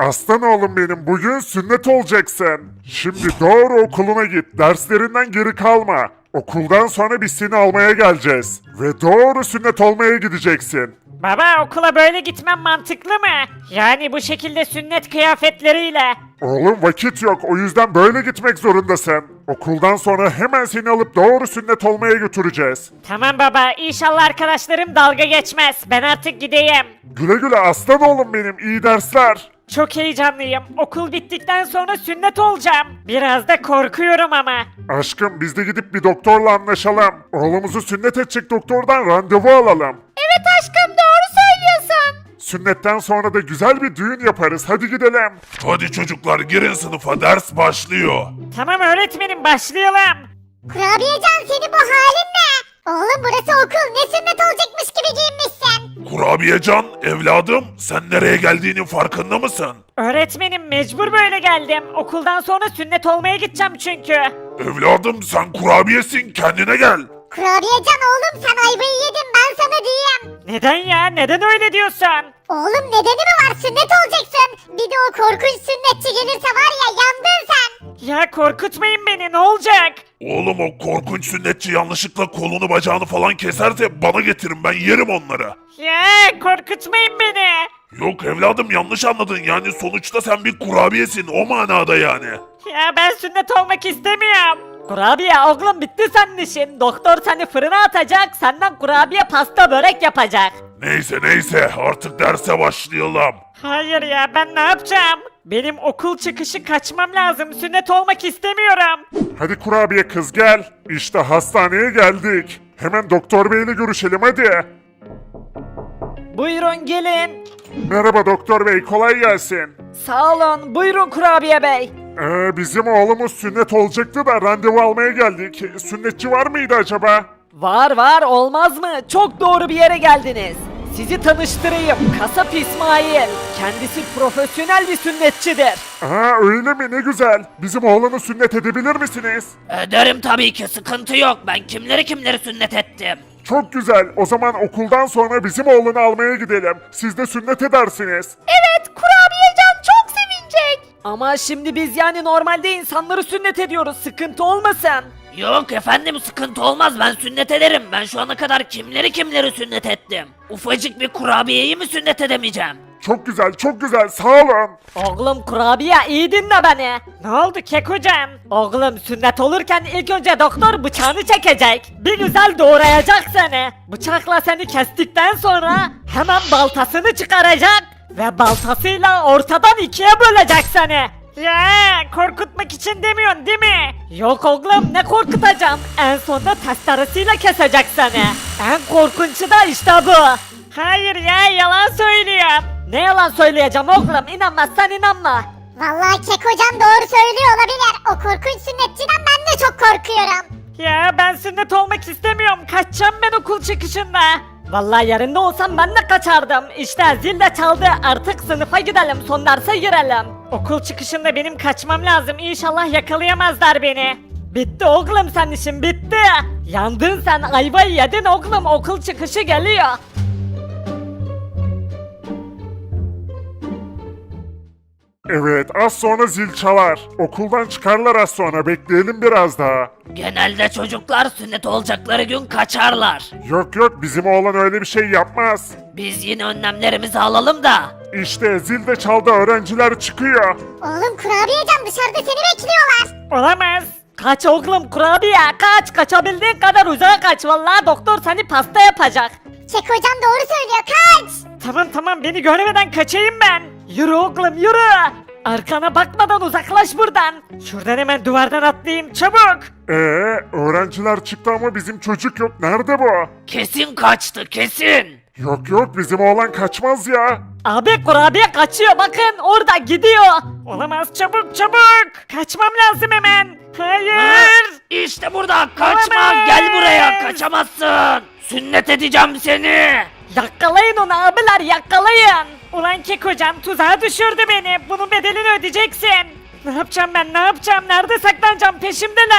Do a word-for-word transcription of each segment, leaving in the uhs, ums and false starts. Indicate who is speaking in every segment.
Speaker 1: Aslan oğlum benim, bugün sünnet olacaksın. Şimdi doğru okuluna git, derslerinden geri kalma. Okuldan sonra biz seni almaya geleceğiz. Ve doğru sünnet olmaya gideceksin.
Speaker 2: Baba okula böyle gitmem mantıklı mı? Yani bu şekilde sünnet kıyafetleriyle.
Speaker 1: Oğlum vakit yok, o yüzden böyle gitmek zorundasın. Okuldan sonra hemen seni alıp doğru sünnet olmaya götüreceğiz.
Speaker 2: Tamam baba inşallah arkadaşlarım dalga geçmez. Ben artık gideyim.
Speaker 1: Güle güle aslan oğlum benim, iyi dersler.
Speaker 2: Çok heyecanlıyım. Okul bittikten sonra sünnet olacağım. Biraz da korkuyorum ama.
Speaker 1: Aşkım biz de gidip bir doktorla anlaşalım. Oğlumuzu sünnet edecek doktordan randevu alalım.
Speaker 2: Evet aşkım doğru söylüyorsun.
Speaker 1: Sünnetten sonra da güzel bir düğün yaparız, hadi gidelim.
Speaker 3: Hadi çocuklar girin sınıfa, ders başlıyor.
Speaker 2: Tamam öğretmenim başlayalım.
Speaker 4: Kurabiyecan senin bu halin ne? Oğlum burası okul, ne sünnet olacakmış gibi giyinmişsin.
Speaker 3: Kurabiyecan, evladım sen nereye geldiğinin farkında mısın?
Speaker 2: Öğretmenim mecbur böyle geldim. Okuldan sonra sünnet olmaya gideceğim çünkü.
Speaker 3: Evladım sen kurabiyesin, kendine gel.
Speaker 4: Kurabiyecan oğlum sen ayvayı yedin, ben sana diyeyim.
Speaker 2: Neden ya? Neden öyle diyorsun?
Speaker 4: Oğlum nedeni mi var, sünnet olacaksın. Bir de o korkunç sünnetçi gelirse var ya, yandın sen.
Speaker 2: Ya korkutmayın beni ne olacak?
Speaker 3: Oğlum o korkunç sünnetçi yanlışlıkla kolunu bacağını falan keserse bana getirin, ben yerim onları.
Speaker 2: Ya korkutmayın beni.
Speaker 3: Yok evladım yanlış anladın, yani sonuçta sen bir kurabiyesin o manada yani.
Speaker 2: Ya ben sünnet olmak istemiyorum. Kurabiye oğlum bitti senin işin. Doktor seni fırına atacak, senden kurabiye pasta börek yapacak.
Speaker 3: Neyse neyse artık derse başlayalım.
Speaker 2: Hayır ya ben ne yapacağım? Benim okul çıkışı kaçmam lazım. Sünnet olmak istemiyorum.
Speaker 1: Hadi kurabiye kız gel. İşte hastaneye geldik. Hemen doktor beyle görüşelim hadi.
Speaker 2: Buyurun gelin.
Speaker 1: Merhaba doktor bey, kolay gelsin.
Speaker 2: Sağ olun. Buyurun kurabiye bey.
Speaker 1: Ee, bizim oğlumuz sünnet olacaktı da randevu almaya geldik. Sünnetçi var mıydı acaba?
Speaker 5: Var var olmaz mı? Çok doğru bir yere geldiniz. Sizi tanıştırayım. Kasap İsmail. Kendisi profesyonel bir sünnetçidir.
Speaker 1: Aa öyle mi, ne güzel. Bizim oğlanı sünnet edebilir misiniz?
Speaker 5: Ederim tabii ki sıkıntı yok. Ben kimleri kimleri sünnet ettim.
Speaker 1: Çok güzel. O zaman okuldan sonra bizim oğlanı almaya gidelim. Siz de sünnet edersiniz.
Speaker 5: Evet kurabiyecan çok sevinecek. Ama şimdi biz yani normalde insanları sünnet ediyoruz. Sıkıntı olmasın. Yok efendim sıkıntı olmaz, ben sünnet ederim. Ben şu ana kadar kimleri kimleri sünnet ettim. Ufacık bir kurabiyeyi mi sünnet edemeyeceğim?
Speaker 1: Çok güzel, çok güzel. Sağ olun.
Speaker 5: Oğlum kurabiye iyi dinle beni.
Speaker 2: Ne oldu Kekocan?
Speaker 5: Oğlum sünnet olurken ilk önce doktor bıçağını çekecek. Bir güzel doğrayacak seni. Bıçakla seni kestikten sonra hemen baltasını çıkaracak. Ve baltasıyla ortadan ikiye bölecek seni.
Speaker 2: Ya korkutmak için demiyorsun değil mi?
Speaker 5: Yok oğlum ne korkutacağım. En sonunda testeresiyle kesecek seni. En korkunçu da işte bu.
Speaker 2: Hayır ya yalan söylüyor.
Speaker 5: Ne yalan söyleyeceğim oğlum, inanmazsan inanma.
Speaker 4: Vallahi Kekocan doğru söylüyor olabilir. O korkunç sünnetçiden ben de çok korkuyorum.
Speaker 2: Ya ben sünnet olmak istemiyorum. Kaçacağım ben okul çıkışında.
Speaker 5: Vallahi yerinde olsam ben de kaçardım. İşte zil de çaldı, artık sınıfa gidelim, son derse girelim.
Speaker 2: Okul çıkışında benim kaçmam lazım. İnşallah yakalayamazlar beni.
Speaker 5: Bitti oğlum sen işin bitti. Yandın sen, ayvayı yedin oğlum, okul çıkışı geliyor.
Speaker 1: Evet, az sonra zil çalar. Okuldan çıkarlar az sonra, bekleyelim biraz daha.
Speaker 5: Genelde çocuklar sünnet olacakları gün kaçarlar.
Speaker 1: Yok yok, bizim oğlan öyle bir şey yapmaz.
Speaker 5: Biz yine önlemlerimizi alalım da.
Speaker 1: İşte zil de çaldı, öğrenciler çıkıyor.
Speaker 4: Oğlum Kurabiyecan dışarıda seni bekliyorlar.
Speaker 2: Olamaz.
Speaker 5: Kaç oğlum kurabiye, kaç, kaçabildiğin kadar uzağa kaç, vallahi doktor seni pasta yapacak.
Speaker 4: Kekocan doğru söylüyor, kaç.
Speaker 2: Tamam tamam beni görmeden kaçayım ben.
Speaker 5: Yürü oğlum yürü. Arkana bakmadan uzaklaş buradan.
Speaker 2: Şuradan hemen duvardan atlayayım çabuk.
Speaker 1: Ee, öğrenciler çıktı ama bizim çocuk yok. Nerede bu?
Speaker 5: Kesin kaçtı kesin.
Speaker 1: Yok yok, bizim oğlan kaçmaz ya.
Speaker 5: Abi kurabiye kaçıyor, bakın orada gidiyor.
Speaker 2: Olamaz çabuk çabuk. Kaçmam lazım hemen. Hayır.
Speaker 5: İşte burada, kaçma,
Speaker 2: Olamaz.
Speaker 5: gel buraya, kaçamazsın. Sünnet edeceğim seni. Yakalayın onu abiler, yakalayın.
Speaker 2: Ulan Kekocan tuzağa düşürdü beni. Bunun bedelini ödeyeceksin. Ne yapacağım ben ne yapacağım? Nerede saklanacağım? Peşimdeler.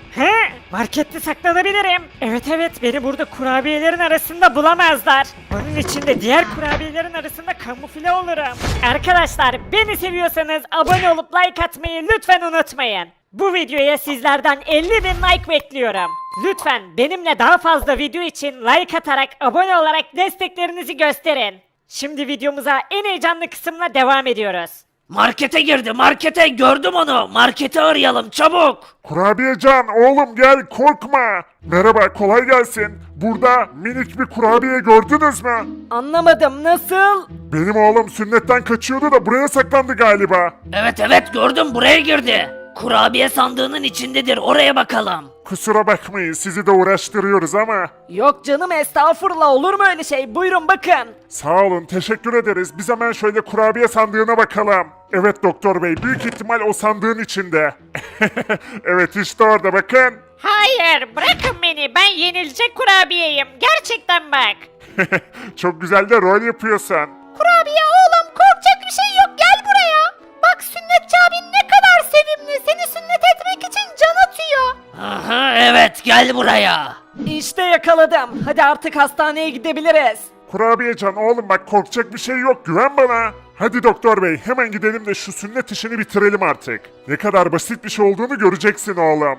Speaker 2: He, markette saklanabilirim. Evet evet, beni burada kurabiyelerin arasında bulamazlar. Bunun için de diğer kurabiyelerin arasında kamufle olurum. Arkadaşlar, beni seviyorsanız abone olup like atmayı lütfen unutmayın. Bu videoya sizlerden elli bin like bekliyorum. Lütfen benimle daha fazla video için like atarak, abone olarak desteklerinizi gösterin. Şimdi videomuza en heyecanlı kısımla devam ediyoruz.
Speaker 5: Markete girdi, markete, gördüm onu. Marketi arayalım çabuk.
Speaker 1: Kurabiyecan oğlum gel korkma. Merhaba kolay gelsin. Burada minik bir kurabiye gördünüz mü?
Speaker 5: Anlamadım, nasıl?
Speaker 1: Benim oğlum sünnetten kaçıyordu da buraya saklandı galiba.
Speaker 5: Evet evet, gördüm, buraya girdi. Kurabiye sandığının içindedir, oraya bakalım.
Speaker 1: Kusura bakmayın sizi de uğraştırıyoruz ama.
Speaker 5: Yok canım, estağfurullah, olur mu öyle şey? Buyurun bakın.
Speaker 1: Sağ olun teşekkür ederiz. Biz hemen şöyle kurabiye sandığına bakalım. Evet doktor bey büyük ihtimal o sandığın içinde. Evet işte orada bakın.
Speaker 2: Hayır, bırakın beni, ben yenilecek kurabiyeyim. Gerçekten bak.
Speaker 1: Çok güzel de rol yapıyorsun.
Speaker 4: Kurabiye oğlum, korkacak bir şey yok, gel buraya. Bak sünnetçi abin ne kadar sevimli, seni sünnet etmek için can atıyor.
Speaker 5: Aha, evet, gel buraya. İşte yakaladım. Hadi artık hastaneye gidebiliriz.
Speaker 1: Kurabiyecan oğlum bak korkacak bir şey yok güven bana. Hadi doktor bey hemen gidelim de şu sünnet işini bitirelim artık. Ne kadar basit bir şey olduğunu göreceksin oğlum.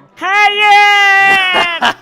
Speaker 2: Hayır!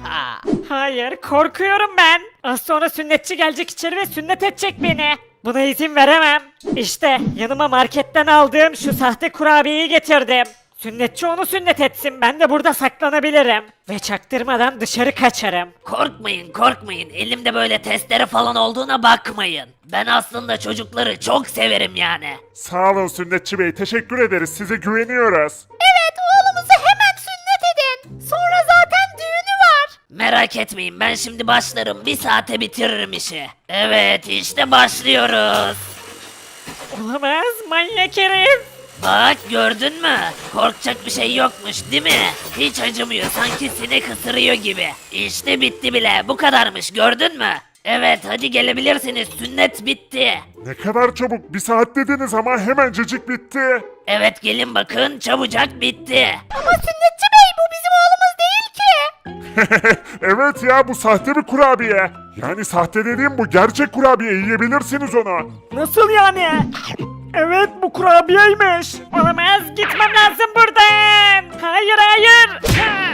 Speaker 2: Hayır, korkuyorum ben. Az sonra sünnetçi gelecek içeri ve sünnet edecek beni. Buna izin veremem. İşte yanıma marketten aldığım şu sahte kurabiyeyi getirdim. Sünnetçi onu sünnet etsin, ben de burada saklanabilirim. Ve çaktırmadan dışarı kaçarım.
Speaker 5: Korkmayın, korkmayın. Elimde böyle testere falan olduğuna bakmayın. Ben aslında çocukları çok severim yani.
Speaker 1: Sağ olun sünnetçi bey teşekkür ederiz size güveniyoruz.
Speaker 4: Evet, oğlumuzu hemen sünnet edin. Sonra zaten düğünü var.
Speaker 5: Merak etmeyin, ben şimdi başlarım. Bir saate bitiririm işi. Evet, işte başlıyoruz.
Speaker 2: Olamaz, manyak herif.
Speaker 5: Bak, gördün mü? Korkacak bir şey yokmuş değil mi? Hiç acımıyor, sanki sinek ısırıyor gibi. İşte bitti bile, bu kadarmış, gördün mü? Evet, hadi gelebilirsiniz, sünnet bitti.
Speaker 1: Ne kadar çabuk bir saat dediniz ama hemencecik bitti.
Speaker 5: Evet, gelin bakın, çabucak bitti.
Speaker 4: Ama sünnetçi bey, bu bizim oğlumuz değil ki.
Speaker 1: Evet ya bu sahte bir kurabiye. Yani sahte dediğim bu gerçek kurabiye yiyebilirsiniz onu.
Speaker 2: Nasıl yani? Evet, bu kurabiyeymiş. Olamaz, gitmem lazım buradan. Hayır hayır. Ha!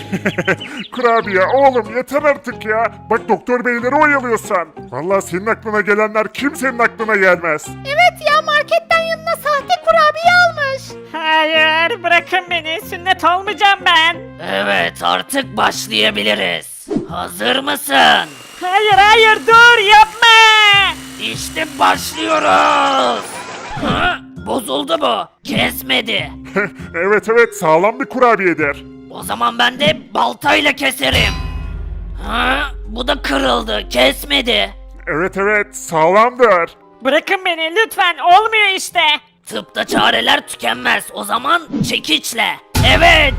Speaker 1: Kurabiye oğlum yeter artık ya. Bak doktor beyleri oyalıyorsan. Vallahi senin aklına gelenler kimsenin aklına gelmez.
Speaker 4: Evet ya, marketten yanına sahte kurabiye almış.
Speaker 2: Hayır, bırakın beni, sünnet olmayacağım ben.
Speaker 5: Evet, artık başlayabiliriz. Hazır mısın?
Speaker 2: Hayır hayır, dur yapma.
Speaker 5: İşte başlıyoruz. Hı? Bozuldu bu. Kesmedi.
Speaker 1: Evet evet sağlam bir kurabiyedir.
Speaker 5: O zaman ben de baltayla keserim. Hı? Bu da kırıldı. Kesmedi.
Speaker 1: Evet evet sağlamdır.
Speaker 2: Bırakın beni lütfen, olmuyor işte.
Speaker 5: Tıpta çareler tükenmez. O zaman çekiçle. Evet.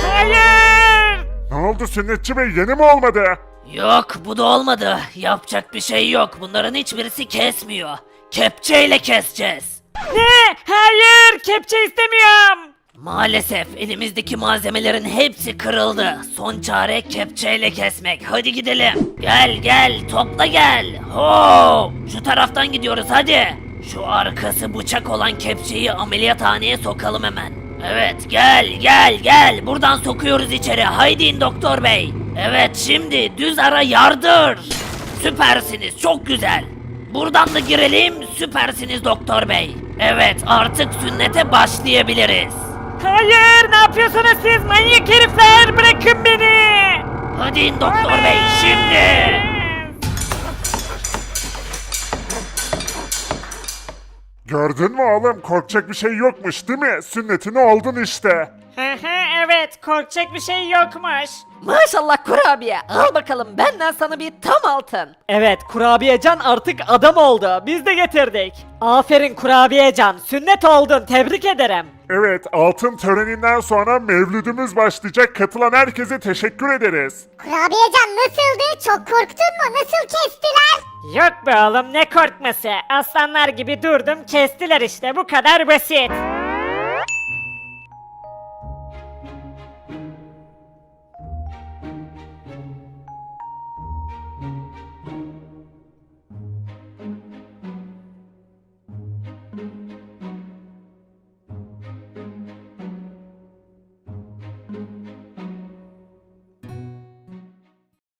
Speaker 2: Hayır.
Speaker 1: Ne oldu sünnetçi bey yeni mi olmadı?
Speaker 5: Yok, bu da olmadı. Yapacak bir şey yok. Bunların hiçbirisi kesmiyor. Kepçeyle keseceğiz.
Speaker 2: Ne? Hayır, kepçe istemiyorum.
Speaker 5: Maalesef elimizdeki malzemelerin hepsi kırıldı. Son çare kepçeyle kesmek. Hadi gidelim. Gel gel, topla gel. Ho! Şu taraftan gidiyoruz hadi. Şu arkası bıçak olan kepçeyi ameliyathaneye sokalım hemen. Evet, gel gel gel. Buradan sokuyoruz içeri. Haydi in doktor bey. Evet, şimdi düz ara yardır. Süpersiniz, çok güzel. Buradan da girelim. Süpersiniz doktor bey. Evet, artık sünnete başlayabiliriz.
Speaker 2: Hayır, ne yapıyorsunuz siz manyak herifler? Bırakın beni.
Speaker 5: Hadi in doktor bey, şimdi.
Speaker 1: Gördün mü oğlum korkacak bir şey yokmuş değil mi? Sünnetini oldun işte.
Speaker 2: Hı hı, evet, korkacak bir şey yokmuş.
Speaker 5: Maşallah kurabiye. Al bakalım, benden sana bir tam altın.
Speaker 2: Evet, kurabiyecan artık adam oldu. Biz de getirdik. Aferin kurabiyecan, sünnet oldun, tebrik ederim.
Speaker 1: Evet altın töreninden sonra mevlüdümüz başlayacak. Katılan herkese teşekkür ederiz.
Speaker 4: Kurabiyecan nasıldı? Çok korktun mu? Nasıl kestiler?
Speaker 2: Yok be oğlum, ne korkması. Aslanlar gibi durdum, kestiler işte, bu kadar basit.